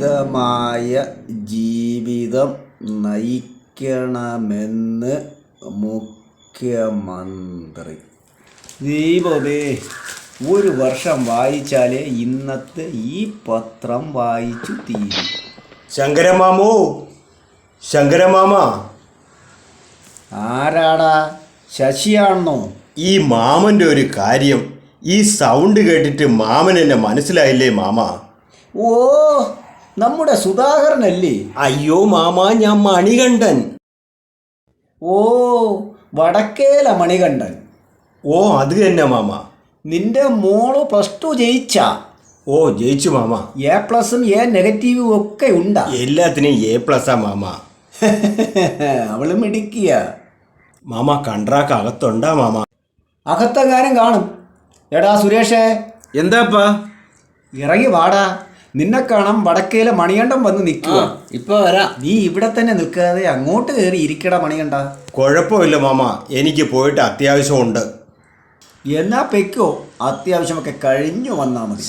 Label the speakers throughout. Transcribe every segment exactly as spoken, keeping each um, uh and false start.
Speaker 1: ജീവിതം നയിക്കണമെന്ന് മുഖ്യമന്ത്രി. ദീപമേ, ഒരു വർഷം വായിച്ചാലേ ഇന്നത്തെ ഈ പത്രം വായിച്ചു തീരും.
Speaker 2: ശങ്കരമാമോ, ശങ്കരമാമ.
Speaker 1: ആരാടാ? ശശിയാണോ?
Speaker 2: ഈ മാമൻ്റെ ഒരു കാര്യം, ഈ സൗണ്ട് കേട്ടിട്ട് മാമൻ എന്നെ മനസ്സിലായില്ലേ മാമ?
Speaker 1: ഓ, നമ്മുടെ സുധാകരനല്ലേ?
Speaker 2: അയ്യോ മാമ, ഞാൻ മണികണ്ഠൻ.
Speaker 1: ഓ, വടക്കേല മണികണ്ഠൻ.
Speaker 2: ഓ, അത് തന്നെ മാമ.
Speaker 1: നിന്റെ മോള് പ്ലസ് ടു ജയിച്ച?
Speaker 2: ഓ, ജയിച്ചു മാമ.
Speaker 1: എ പ്ലസും എ നെഗറ്റീവും ഒക്കെ ഉണ്ടാ?
Speaker 2: എല്ലാത്തിനും എ പ്ലസാ മാമ.
Speaker 1: അവള് മിടിക്കുക.
Speaker 2: Mama, കണ്ട്രാക്ക് അകത്തുണ്ടാ mama?
Speaker 1: അകത്തെങ്ങാനും കാണും. എടാ സുരേഷേ.
Speaker 3: എന്താപ്പാ?
Speaker 1: ഇറങ്ങി വാടാ, നിന്നെ കാണാം. വടക്കേലെ മണികണ്ഠൻ വന്ന് നിൽക്കുക.
Speaker 3: ഇപ്പൊ വരാം.
Speaker 1: നീ ഇവിടെ തന്നെ നിൽക്കാതെ അങ്ങോട്ട് കയറി ഇരിക്കടാ മണികണ്ഠ.
Speaker 2: കുഴപ്പമില്ല മാമ, എനിക്ക് പോയിട്ട് അത്യാവശ്യമുണ്ട്.
Speaker 1: എന്നാ പെക്കോ, അത്യാവശ്യമൊക്കെ കഴിഞ്ഞു വന്നാ മതി.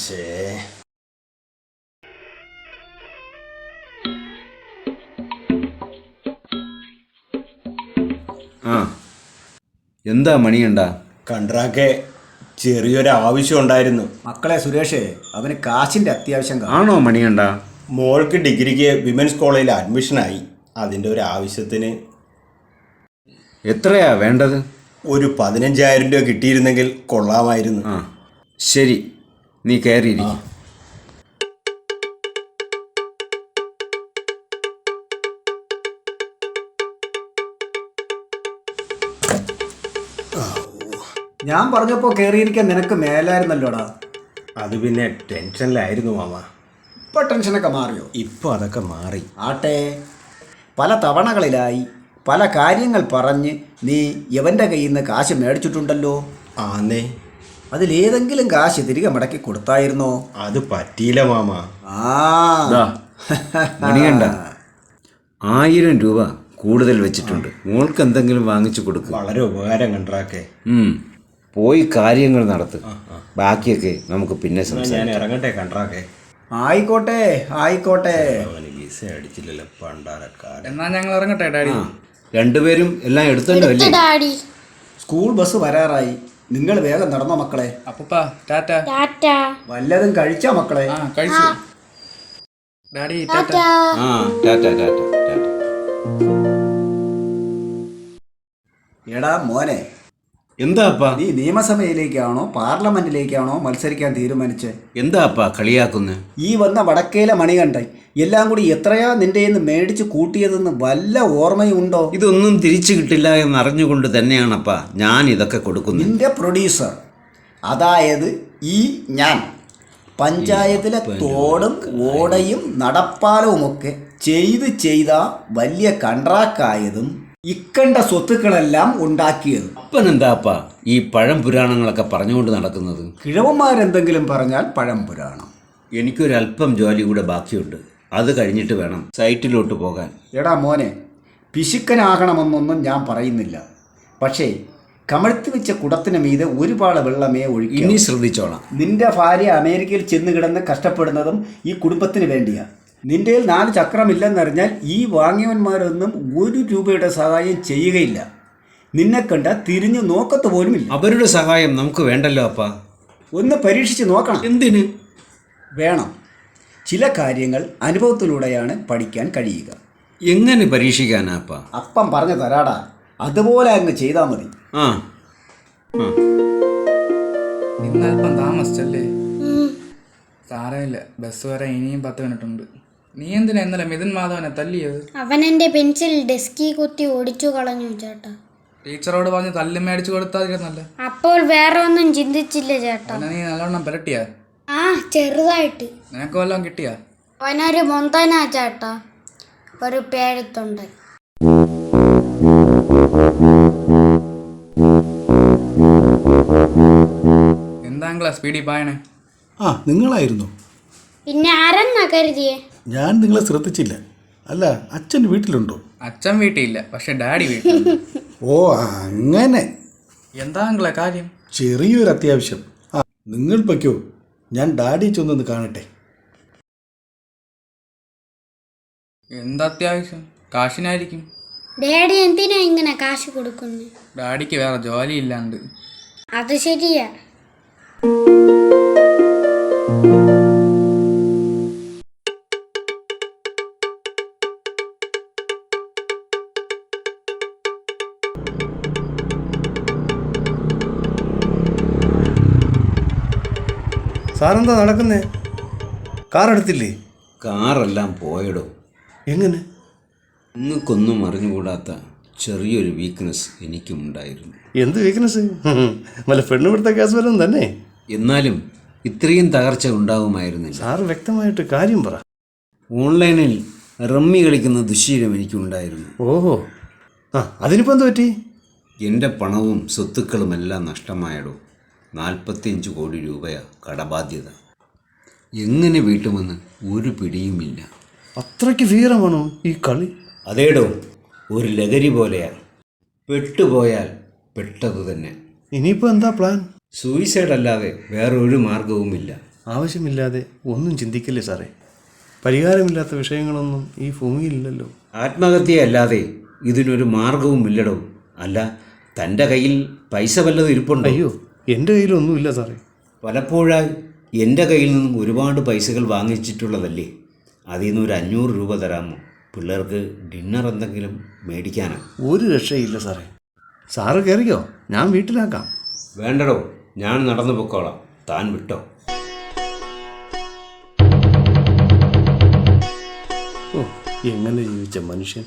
Speaker 3: ആ, എന്താ മണികണ്ഠ?
Speaker 2: കണ്ട്രാക്കെ ചെറിയൊരു ആവശ്യം ഉണ്ടായിരുന്നു.
Speaker 1: മക്കളെ സുരേഷേ, അവന് കാശിന്റെ അത്യാവശ്യം കാണും.
Speaker 3: ആണോ മണികണ്ഠ?
Speaker 2: മോൾക്ക് ഡിഗ്രിക്ക് വിമൻസ് കോളേജിൽ അഡ്മിഷനായി. അതിൻ്റെ ഒരു ആവശ്യത്തിന്.
Speaker 3: എത്രയാ വേണ്ടത്?
Speaker 2: ഒരു പതിനഞ്ചായിരം രൂപ കിട്ടിയിരുന്നെങ്കിൽ കൊള്ളാമായിരുന്നു.
Speaker 3: ആ ശരി, നീ കയറിയിരിക്കും.
Speaker 1: ഞാൻ പറഞ്ഞപ്പോൾ കയറിയിരിക്കാൻ നിനക്ക് മേലായിരുന്നല്ലോടാ.
Speaker 2: അത് പിന്നെ ടെൻഷനിലായിരുന്നു മാമ.
Speaker 1: ഇപ്പൊ ടെൻഷനൊക്കെ മാറിയോ?
Speaker 2: ഇപ്പോൾ അതൊക്കെ മാറി.
Speaker 1: ആട്ടെ, പല തവണകളിലായി പല കാര്യങ്ങൾ പറഞ്ഞ് നീ യവൻ്റെ കയ്യിൽ നിന്ന് കാശ് മേടിച്ചിട്ടുണ്ടല്ലോ.
Speaker 2: ആന്നേ.
Speaker 1: അതിലേതെങ്കിലും കാശ് തിരികെ മടക്കി കൊടുത്തായിരുന്നോ?
Speaker 2: അത് പറ്റിയില്ല മാമ.
Speaker 1: ആ
Speaker 3: മണികണ്ഠ, ആയിരം രൂപ കൂടുതൽ വെച്ചിട്ടുണ്ട്. മോൾക്ക് എന്തെങ്കിലും വാങ്ങിച്ചു കൊടുക്കും.
Speaker 2: വളരെ ഉപകാരം കണ്ട്രാക്കെ.
Speaker 3: പോയി കാര്യങ്ങൾ നടത്തുക. ബാക്കിയൊക്കെ നമുക്ക് പിന്നെ
Speaker 2: ഞാൻ
Speaker 3: സംസാരിക്കാം.
Speaker 2: ഇറങ്ങട്ടെ കണ്ട്രാക്കെ.
Speaker 1: ആയിക്കോട്ടെ ആയിക്കോട്ടെ.
Speaker 2: അവന് വിസ അടിച്ചില്ലല്ലോ പണ്ടാരക്കാരൻ.
Speaker 4: എന്നാ ഞങ്ങൾ ഇറങ്ങട്ടെ ഡാഡി.
Speaker 3: രണ്ടുപേരും എല്ലാം എടുത്തല്ലോ അല്ലേ?
Speaker 1: സ്കൂൾ ബസ് വരാറായി. നിങ്ങൾ വേഗം നടന്നോ മക്കളെ.
Speaker 4: അപ്പൂപ്പ ടാറ്റ.
Speaker 1: വല്ലതും കഴിച്ചാ മക്കളെ?
Speaker 4: ആ കഴിച്ചു ഡാഡി. ടാറ്റ.
Speaker 3: ആ ടാറ്റ ടാറ്റ ടാറ്റ.
Speaker 1: എടാ മോനെ,
Speaker 3: എന്താ അപ്പാ?
Speaker 1: നീ നിയമസഭയിലേക്കാണോ പാർലമെന്റിലേക്കാണോ മത്സരിക്കാൻ തീരുമാനിച്ചേ?
Speaker 3: എന്താ അപ്പാ കളിയാക്കുന്നത്?
Speaker 1: ഈ വന്ന വടക്കേലെ മണികണ്ഠൻ എല്ലാം കൂടി എത്രയാ നിന്റെ നിന്ന് മേടിച്ച് കൂട്ടിയതെന്ന് വല്ല ഓർമ്മയുണ്ടോ?
Speaker 3: ഇതൊന്നും തിരിച്ചു കിട്ടില്ല എന്നറിഞ്ഞുകൊണ്ട് തന്നെയാണപ്പാ ഞാൻ ഇതൊക്കെ കൊടുക്കുന്നത്.
Speaker 1: നിന്റെ പ്രൊഡ്യൂസർ, അതായത് ഈ ഞാൻ, പഞ്ചായത്തിലെ തോടും ഓടയും നടപ്പാലവുമൊക്കെ ചെയ്ത് ചെയ്ത വലിയ കൺട്രാക്റ്റായതും ഇക്കണ്ട സ്വത്തുക്കളെല്ലാം ഉണ്ടാക്കിയത്.
Speaker 3: അപ്പൻ എന്താപ്പാ ഈ പഴം പുരാണങ്ങളൊക്കെ പറഞ്ഞുകൊണ്ട് നടക്കുന്നത്?
Speaker 1: കിഴവന്മാരെന്തെങ്കിലും പറഞ്ഞാൽ പഴം പുരാണം.
Speaker 3: എനിക്കൊരല്പം ജോലി കൂടെ ബാക്കിയുണ്ട്. അത് കഴിഞ്ഞിട്ട് വേണം സൈറ്റിലോട്ട് പോകാൻ.
Speaker 1: എടാ മോനെ, പിശുക്കനാകണമെന്നൊന്നും ഞാൻ പറയുന്നില്ല. പക്ഷേ കമഴ്ത്തി വെച്ച കുടത്തിന് മീതെ ഒരുപാട് വെള്ളമേ ഒഴുകി.
Speaker 3: ഇനി ശ്രദ്ധിച്ചോളാം.
Speaker 1: നിന്റെ ഭാര്യ അമേരിക്കയിൽ ചെന്ന് കിടന്ന് കഷ്ടപ്പെടുന്നതും ഈ കുടുംബത്തിന് വേണ്ടിയാ. നിന്റെ നാല് ചക്രമില്ലെന്നറിഞ്ഞാൽ ഈ വാങ്ങിയവന്മാരൊന്നും ഒരു രൂപയുടെ സഹായം ചെയ്യുകയില്ല. നിന്നെ കണ്ട തിരിഞ്ഞു നോക്കത്ത് പോലുമില്ല.
Speaker 3: അവരുടെ സഹായം നമുക്ക് വേണ്ടല്ലോ അപ്പാ.
Speaker 1: ഒന്ന് പരീക്ഷിച്ച് നോക്കണം.
Speaker 3: എന്തിന്
Speaker 1: വേണം? ചില കാര്യങ്ങൾ അനുഭവത്തിലൂടെയാണ് പഠിക്കാൻ കഴിയുക.
Speaker 3: എങ്ങനെ പരീക്ഷിക്കാനാ അപ്പാ?
Speaker 1: അപ്പം പറഞ്ഞു തരാടാ, അതുപോലെ അങ്ങ് ചെയ്താൽ മതി.
Speaker 3: ആ
Speaker 4: ഇന്നൽപ്പം താമസിച്ചല്ലേ? സാരമില്ല, ബസ് വരെ ഇനിയും പത്ത് മിനിറ്റ് ഉണ്ട്. നീ എന്തിനാ ഇന്നലെ മിഥുൻ മാധവനെ തല്ലിയത്?
Speaker 5: അവൻ എന്റെ പെൻസിൽ ഡെസ്കി കുത്തി ഓടിച്ചു കളഞ്ഞു ചേട്ടാ.
Speaker 4: ടീച്ചറോട് പറഞ്ഞ് തല്ലി മേടിച്ചു കൊടുത്താതിരുന്നല്ല.
Speaker 5: അപ്പോൾ വേറെ ഒന്നും ചിന്തിച്ചില്ല ചേട്ടാ.
Speaker 4: അവനെ നീ നല്ലോണം പുരട്ടിയാ?
Speaker 5: ആ, ചെറുതായിട്ട്.
Speaker 4: നിനക്ക് വല്ലതും കിട്ടിയാ?
Speaker 5: അവനൊരു മൊന്തനാ ചേട്ടാ, ഒരു പേഴത്തുണ്ട്.
Speaker 4: എന്താ സ്പീഡിൽ പായണേ?
Speaker 6: ആ, നിങ്ങളായിരുന്നു.
Speaker 5: പിന്നെ ആരെന്നാ കരുതിയേ?
Speaker 6: ഞാൻ നിങ്ങളെ ശ്രദ്ധിച്ചില്ല. അല്ല, അച്ഛൻ വീട്ടിലുണ്ടോ?
Speaker 4: അച്ഛൻ വീട്ടിലില്ല, പക്ഷെ ഡാഡി വീട്ടിൽ.
Speaker 6: ഓ അങ്ങനെ.
Speaker 4: എന്താ കാര്യം?
Speaker 6: ചെറിയൊരു അത്യാവശ്യം. ആ, നിങ്ങൾ പൊയ്ക്കോ, ഞാൻ ഡാഡി ചെന്നൊന്ന് കാണട്ടെ.
Speaker 4: എന്തത്യാവശ്യം? കാശിനായിരിക്കും.
Speaker 5: ഡാഡി എന്തിനാ ഇങ്ങനെ കാശ് കൊടുക്കുന്നത്?
Speaker 4: ഡാഡിക്ക് വേറെ ജോലി ഇല്ലാണ്ട്.
Speaker 5: അത് ശരിയാ.
Speaker 6: സാറെന്താ നടക്കുന്നേ? കാർ എടുത്തില്ലേ?
Speaker 3: കാറെല്ലാം പോയടോ.
Speaker 6: എങ്ങനെ?
Speaker 3: നിങ്ങൾക്കൊന്നും അറിഞ്ഞുകൂടാത്ത ചെറിയൊരു വീക്ക്നെസ് എനിക്കുമുണ്ടായിരുന്നു.
Speaker 6: എന്ത് വീക്ക്നെസ്? വല്ല പെണ്ണുപിടുത്ത കേസ് വല്ലതും തന്നെ?
Speaker 3: എന്നാലും ഇത്രയും തകർച്ച ഉണ്ടാവുമായിരുന്നില്ല.
Speaker 6: സാറ് വ്യക്തമായിട്ട് കാര്യം പറ.
Speaker 3: ഓൺലൈനിൽ റമ്മി കളിക്കുന്ന ദുശ്ശീലം എനിക്കുണ്ടായിരുന്നു.
Speaker 6: ഓഹോ, ആ അതിനിപ്പോൾ എന്ത് പറ്റി?
Speaker 3: എൻ്റെ പണവും സ്വത്തുക്കളുമെല്ലാം നഷ്ടമായടോ. നാൽപ്പത്തിയഞ്ച് കോടി രൂപയാ കടബാധ്യത. എങ്ങനെ വീട്ടുമെന്ന് ഒരു പിടിയുമില്ല.
Speaker 6: അത്രയ്ക്ക് ഭീകരമാണോ ഈ കളി?
Speaker 3: അതേടോ, ഒരു ലഹരി പോലെയാ. പെട്ടുപോയാൽ പെട്ടതു തന്നെ.
Speaker 6: ഇനിയിപ്പോൾ എന്താ പ്ലാൻ?
Speaker 3: സൂയിസൈഡ് അല്ലാതെ വേറൊരു മാർഗവുമില്ല.
Speaker 6: ആവശ്യമില്ലാതെ ഒന്നും ചിന്തിക്കില്ലേ സാറേ. പരിഹാരമില്ലാത്ത വിഷയങ്ങളൊന്നും ഈ ഭൂമിയിലില്ലല്ലോ.
Speaker 3: ആത്മഹത്യയല്ലാതെ ഇതിനൊരു മാർഗവുമില്ലടോ. അല്ല, തൻ്റെ കയ്യിൽ പൈസ വല്ലതും ഇരിപ്പുണ്ടോ?
Speaker 6: അയ്യോ, എൻ്റെ കയ്യിലൊന്നുമില്ല സാറേ.
Speaker 3: പലപ്പോഴായി എൻ്റെ കയ്യിൽ നിന്നും ഒരുപാട് പൈസകൾ വാങ്ങിച്ചിട്ടുള്ളതല്ലേ. അതിൽ നിന്ന് ഒരു അഞ്ഞൂറ് രൂപ തരാമോ? പിള്ളേർക്ക് ഡിന്നർ എന്തെങ്കിലും മേടിക്കാനാ.
Speaker 6: ഒരു രക്ഷയില്ല സാറേ. സാറ് കയറിക്കോ, ഞാൻ വീട്ടിലാക്കാം.
Speaker 3: വേണ്ടടോ, ഞാൻ നടന്നു പൊക്കോളാം. താൻ വിട്ടോ.
Speaker 6: ഓ, എങ്ങനെ ജീവിച്ച മനുഷ്യൻ.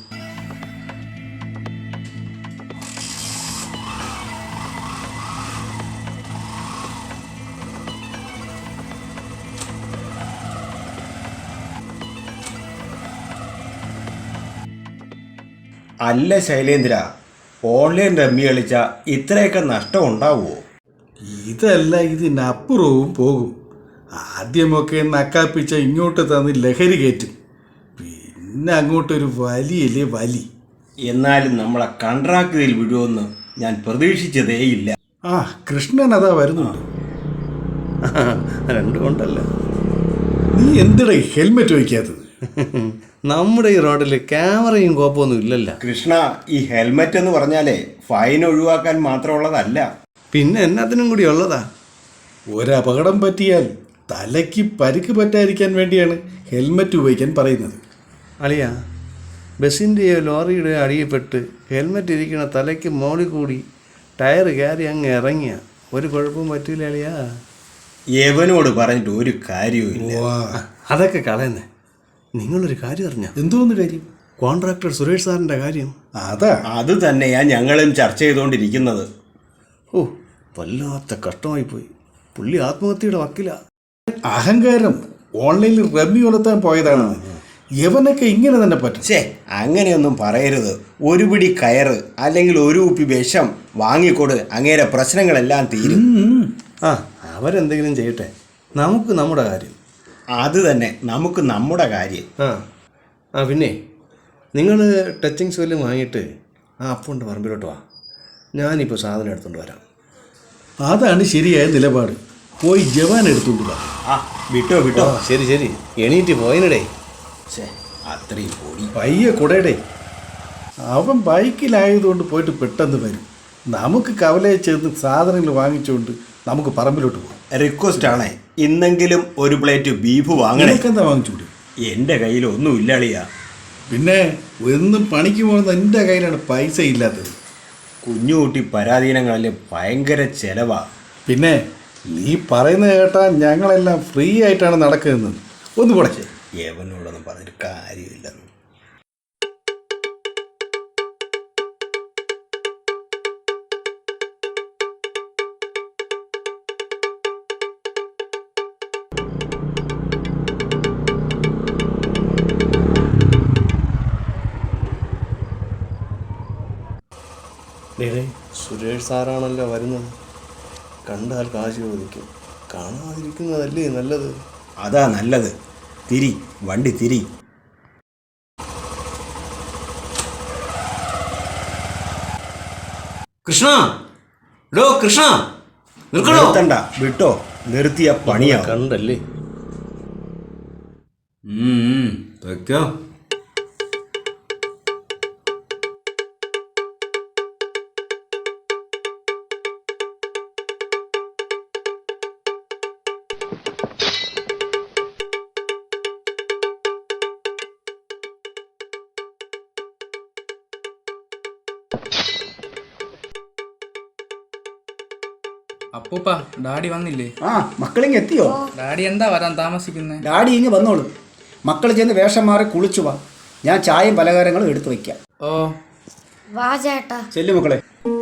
Speaker 2: അല്ല ശൈലേന്ദ്ര, ഓൺലൈൻ റമ്മി കളിച്ച ഇത്രയൊക്കെ നഷ്ടം ഉണ്ടാവുമോ?
Speaker 6: ഇതല്ല ഇതിനപ്പുറവും പോകും. ആദ്യമൊക്കെ നക്കാപ്പിച്ച ഇങ്ങോട്ട് തന്ന് ലഹരി കയറ്റും, പിന്നെ അങ്ങോട്ടൊരു വലിയല്ലേ വലി.
Speaker 2: എന്നാലും നമ്മളെ കൺട്രാക്റ്റിൽ വിടുമെന്ന് ഞാൻ പ്രതീക്ഷിച്ചതേയില്ല.
Speaker 6: ആ കൃഷ്ണൻ അതാ വരുന്നുണ്ട്. രണ്ടും കൊണ്ടല്ല. നീ എന്തിടാ ഹെൽമെറ്റ് വയ്ക്കാത്തത്? നമ്മുടെ ഈ റോഡിൽ ക്യാമറയും കോപ്പൊന്നും ഇല്ലല്ലോ.
Speaker 2: കൃഷ്ണ, ഈ ഹെൽമെറ്റ് എന്ന് പറഞ്ഞാലേ ഫൈൻ ഒഴിവാക്കാൻ മാത്രമുള്ളതല്ല,
Speaker 6: പിന്നെ എന്നാത്തിനും കൂടി ഉള്ളതാ. ഒരപകടം പറ്റിയാൽ തലയ്ക്ക് പരിക്ക് പറ്റാതിരിക്കാൻ വേണ്ടിയാണ് ഹെൽമെറ്റ് ഉപയോഗിക്കാൻ പറയുന്നത്. അളിയ, ബസ്സിൻ്റെയോ ലോറിയുടെയോ അടിയിൽപ്പെട്ട് ഹെൽമെറ്റ് ഇരിക്കണ തലയ്ക്ക് മോളിൽ കൂടി ടയർ കയറി അങ്ങ് ഇറങ്ങിയ ഒരു കുഴപ്പവും പറ്റില്ല അളിയാ.
Speaker 2: യവനോട് പറഞ്ഞിട്ട് ഒരു കാര്യവുമില്ല.
Speaker 6: അതൊക്കെ കളയുന്നേ. നിങ്ങളൊരു കാര്യം അറിഞ്ഞ? എന്തോന്ന് കാര്യം? കോൺട്രാക്ടർ സുരേഷ് സാറിൻ്റെ കാര്യം. അതാ
Speaker 2: അത് തന്നെയാ ഞങ്ങളും ചർച്ച ചെയ്തുകൊണ്ടിരിക്കുന്നത്.
Speaker 6: ഓ, വല്ലാത്ത കഷ്ടമായിപ്പോയി. പുള്ളി ആത്മഹത്യയുടെ വക്കില. അഹങ്കാരം ഓൺലൈനിൽ റമ്മി വളർത്താൻ പോയതാണ്. യവനൊക്കെ ഇങ്ങനെ തന്നെ പറ്റും.
Speaker 2: ഛേ, അങ്ങനെയൊന്നും പറയരുത്. ഒരു പിടി കയറ് അല്ലെങ്കിൽ ഒരു കുപ്പി വിഷം വാങ്ങിക്കൊട്, അങ്ങേരെ പ്രശ്നങ്ങളെല്ലാം തീരും.
Speaker 6: ആ, അവരെന്തെങ്കിലും ചെയ്യട്ടെ, നമുക്ക് നമ്മുടെ കാര്യം.
Speaker 2: അത് തന്നെ, നമുക്ക് നമ്മുടെ കാര്യം.
Speaker 6: ആ ആ പിന്നെ നിങ്ങൾ ടച്ചിങ് സ്വെല്ല് വാങ്ങിയിട്ട് ആ അപ്പുണ്ട് പറമ്പിലോട്ട് വാ. ഞാനിപ്പോൾ സാധനം എടുത്തുകൊണ്ട് വരാം. അതാണ് ശരിയായ നിലപാട്. പോയി ജവാൻ എടുത്തുകൊണ്ട് വാ.
Speaker 2: ആ വിട്ടോ വിട്ടോ.
Speaker 6: ശരി ശരി, എണീറ്റ് പോയിനടേ.
Speaker 2: ഛേ, അത്രയും പൊടി.
Speaker 6: പയ്യെ കൂടെടേ. അവൻ ബൈക്കിലായതുകൊണ്ട് പോയിട്ട് പെട്ടെന്ന് വരും. നമുക്ക് കവലയിൽ ചേർന്ന് സാധനങ്ങൾ വാങ്ങിച്ചുകൊണ്ട് നമുക്ക് പറമ്പിലോട്ട് പോകാം.
Speaker 2: റിക്വസ്റ്റ് ആണേ, ഇന്നെങ്കിലും ഒരു പ്ലേറ്റ് ബീഫ് വാങ്ങണേ.
Speaker 6: എന്താ വാങ്ങിച്ചൂടെ?
Speaker 2: എൻ്റെ കയ്യിൽ ഒന്നും ഇല്ലാളിയാ.
Speaker 6: പിന്നെ എന്നും പണിക്ക് പോകുന്ന എൻ്റെ കയ്യിലാണ് പൈസ ഇല്ലാത്തത്.
Speaker 2: കുഞ്ഞുകുട്ടി പരാധീനങ്ങളിൽ ഭയങ്കര ചെലവാ.
Speaker 6: പിന്നെ നീ പറയുന്നത് കേട്ടാൽ ഞങ്ങളെല്ലാം ഫ്രീ ആയിട്ടാണ് നടക്കുന്നത്. ഒന്ന് പോടെ.
Speaker 2: യവനോടൊന്നും പറഞ്ഞിട്ട് കാര്യമില്ല.
Speaker 6: സുരേഷ് സാറാണല്ലോ വരുന്നത്. കണ്ടാൽ കാശ് ചോദിക്കും. കാണാതിരിക്കുന്നതല്ലേ നല്ലത്.
Speaker 2: അതാ നല്ലത്. തിരി, വണ്ടി തിരി.
Speaker 3: കൃഷ്ണ, ഡോ കൃഷ്ണ, നിൽക്കണോ?
Speaker 2: നിർത്തണ്ട, വിട്ടോ. നിർത്തിയ പണിയാവും.
Speaker 6: കണ്ടല്ലേ.
Speaker 3: വെക്കോ.
Speaker 4: അപ്പൂപ്പ ഡാഡി വന്നില്ലേ?
Speaker 1: ആ മക്കളിങ്ങ് എത്തിയോ?
Speaker 4: ഡാഡി എന്താ വരാൻ താമസിക്കുന്നേ?
Speaker 1: ഡാഡി ഇങ്ങ് വന്നോളൂ. മക്കൾ ചെന്ന് വേഷം മാറി കുളിച്ചു വാ. ഞാൻ ചായയും പലഹാരങ്ങളും എടുത്തു വയ്ക്കാം.
Speaker 4: ഓ
Speaker 5: വാ ചേട്ടാ.
Speaker 1: ചെല്ലു മക്കളെ.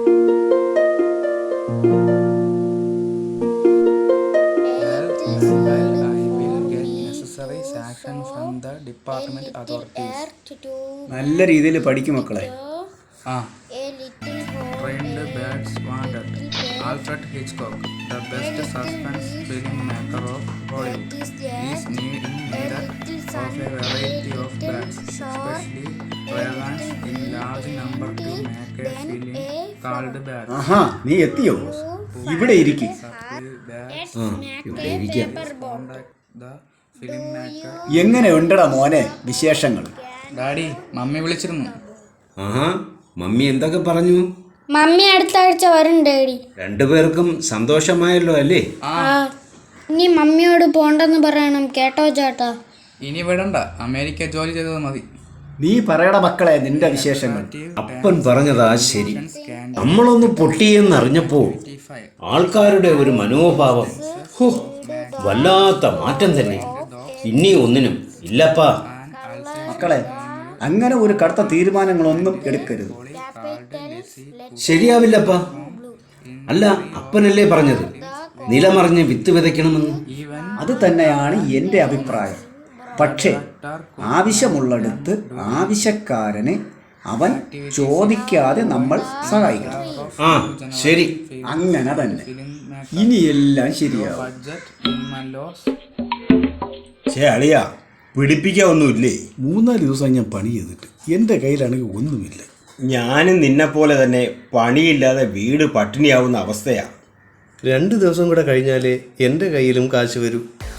Speaker 1: നല്ല രീതിയിൽ പഠിക്കും മക്കളെ.
Speaker 4: ആ Trained Bats Wandered. Alfred Hitchcock, the best suspense filmmaker of Hollywood, is need in need of a variety of bats, especially ravens in large number to make a film called Bats.
Speaker 1: ആഹാ നീ എത്തിയോ? ഇവിടെ ഇരിക്കും.
Speaker 4: Supply bats,
Speaker 3: ആ ഇവിടെ ഇരിക്കാം.
Speaker 4: contact the filmmaker.
Speaker 1: എങ്ങനെ ഉണ്ടടാ മോനെ വിശേഷങ്ങൾ?
Speaker 4: ഡാഡി മമ്മി വിളിച്ചിരുന്നു.
Speaker 3: ആഹാ മമ്മി എന്തൊക്കെ പറഞ്ഞു?
Speaker 5: മമ്മി അടുത്ത ആഴ്ച വരും ഡാഡി.
Speaker 3: രണ്ടുപേർക്കും സന്തോഷമായല്ലോ അല്ലേ?
Speaker 5: ആ ഇനി മമ്മിയോട് പോണ്ടെന്ന് പറയണം കേട്ടോ ചേട്ടാ.
Speaker 4: ഇനി വിടണ്ട, അമേരിക്ക ജോലി ചെയ്തത് മതി.
Speaker 1: നീ പറയട മക്കളെ നിന്റെ വിശേഷങ്ങൾ.
Speaker 3: അപ്പൻ പറഞ്ഞതാ ശരി. നമ്മളൊന്ന് പൊട്ടിയെന്നറിഞ്ഞപ്പോ ആൾക്കാരുടെ ഒരു മനോഭാവം ഹോ വല്ലാത്ത മാറ്റം തന്നെ. ഇനി ഒന്നിനും ഇല്ലപ്പാ.
Speaker 1: മക്കളെ അങ്ങനെ ഒരു കടുത്ത തീരുമാനങ്ങളൊന്നും എടുക്കരുത്.
Speaker 3: ശരിയാവില്ലപ്പാ. അല്ല അപ്പനല്ലേ പറഞ്ഞത് നിലമറിഞ്ഞ് വിത്ത് വിതയ്ക്കണമെന്ന്?
Speaker 1: അത് തന്നെയാണ് എൻ്റെ അഭിപ്രായം. പക്ഷേ ആവശ്യമുള്ളിടത്ത് ആവശ്യക്കാരന് അവൻ ചോദിക്കാതെ നമ്മൾ സഹായിക്കണം.
Speaker 3: ആ ശരി.
Speaker 1: അങ്ങനെ തന്നെ ഇനിയെല്ലാം ശരിയാവും.
Speaker 2: ചേ അളിയ പിടിപ്പിക്കാൻ ഒന്നുമില്ലേ?
Speaker 6: മൂന്നാല് ദിവസം ഞാൻ പണി ചെയ്തിട്ട് എൻ്റെ കയ്യിലാണെങ്കിൽ ഒന്നുമില്ല.
Speaker 2: ഞാനും നിന്നെപ്പോലെ തന്നെ പണിയില്ലാതെ വീട് പട്ടിണിയാവുന്ന അവസ്ഥയാണ്.
Speaker 6: രണ്ട് ദിവസം കൂടെ കഴിഞ്ഞാലേ എൻ്റെ കയ്യിലും കാശ് വരൂ.